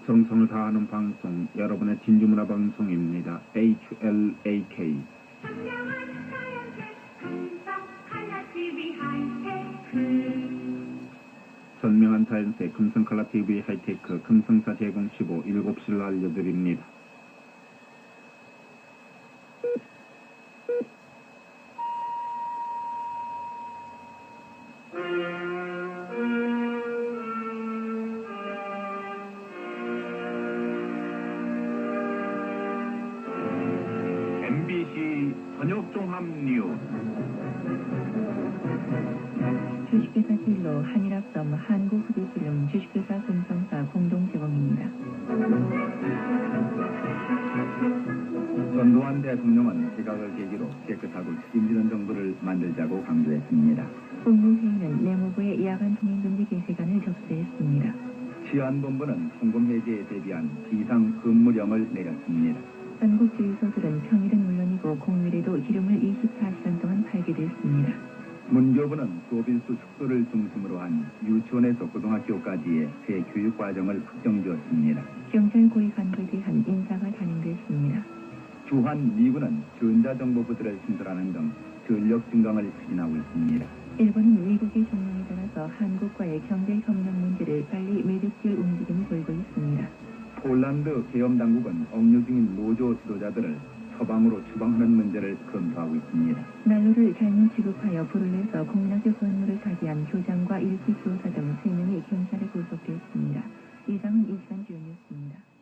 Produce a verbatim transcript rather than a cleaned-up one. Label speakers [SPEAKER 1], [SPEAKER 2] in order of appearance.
[SPEAKER 1] 정성을 다하는 방송, 여러분의 진주문화 방송입니다. 에이치엘에이케이. 선명한 자연색 금성칼라티비 하이테크 금성사 제공 십오 일곱 시를 알려드립니다. 엠비씨 저녁종합 뉴스.
[SPEAKER 2] 주식회사 진로, 한일합섬, 한국흡입필름, 주식회사 금성사 공동 제공입니다.
[SPEAKER 1] 전두환 대통령은 개각을 계기로 깨끗하고 책임지는 정부를 만들자고 강조했습니다.
[SPEAKER 2] 국무회의는 내무부의 야간 통행금지 게시간을 접수했습니다.
[SPEAKER 1] 치안본부는 통금 해제에 대비한 비상 근무령을 내렸습니다.
[SPEAKER 2] 전국 주유소들은 평일은 물론이고 공휴일에도 기름을 이십사 시간 동안 팔게 됐습니다.
[SPEAKER 1] 문교부는 소빌수 축소를 중심으로 한 유치원에서 고등학교까지의 새 교육과정을 확정지었습니다.
[SPEAKER 2] 경찰 고위 간부에 대한 인사가 단행됐습니다.
[SPEAKER 1] 주한 미군은 전자정보부들을 신설하는 등 전력 증강을 추진하고 있습니다.
[SPEAKER 2] 일본은 미국의 종용에 따라서 한국과의 경제협력 문제를 빨리 매듭질 움직임을 보이고 있습니다.
[SPEAKER 1] 폴란드 계엄당국은 억류 중인 노조 지도자들을 서방으로 추방하는 문제를 검토하고 있습니다.
[SPEAKER 2] 난로를 잘못 지급하여 불을 내서 공민학교 건물을 사기한 교장과 일기 교사 등 세 명이 경찰에 구속되었습니다. 이상은 이 시간 주요 뉴스입니다.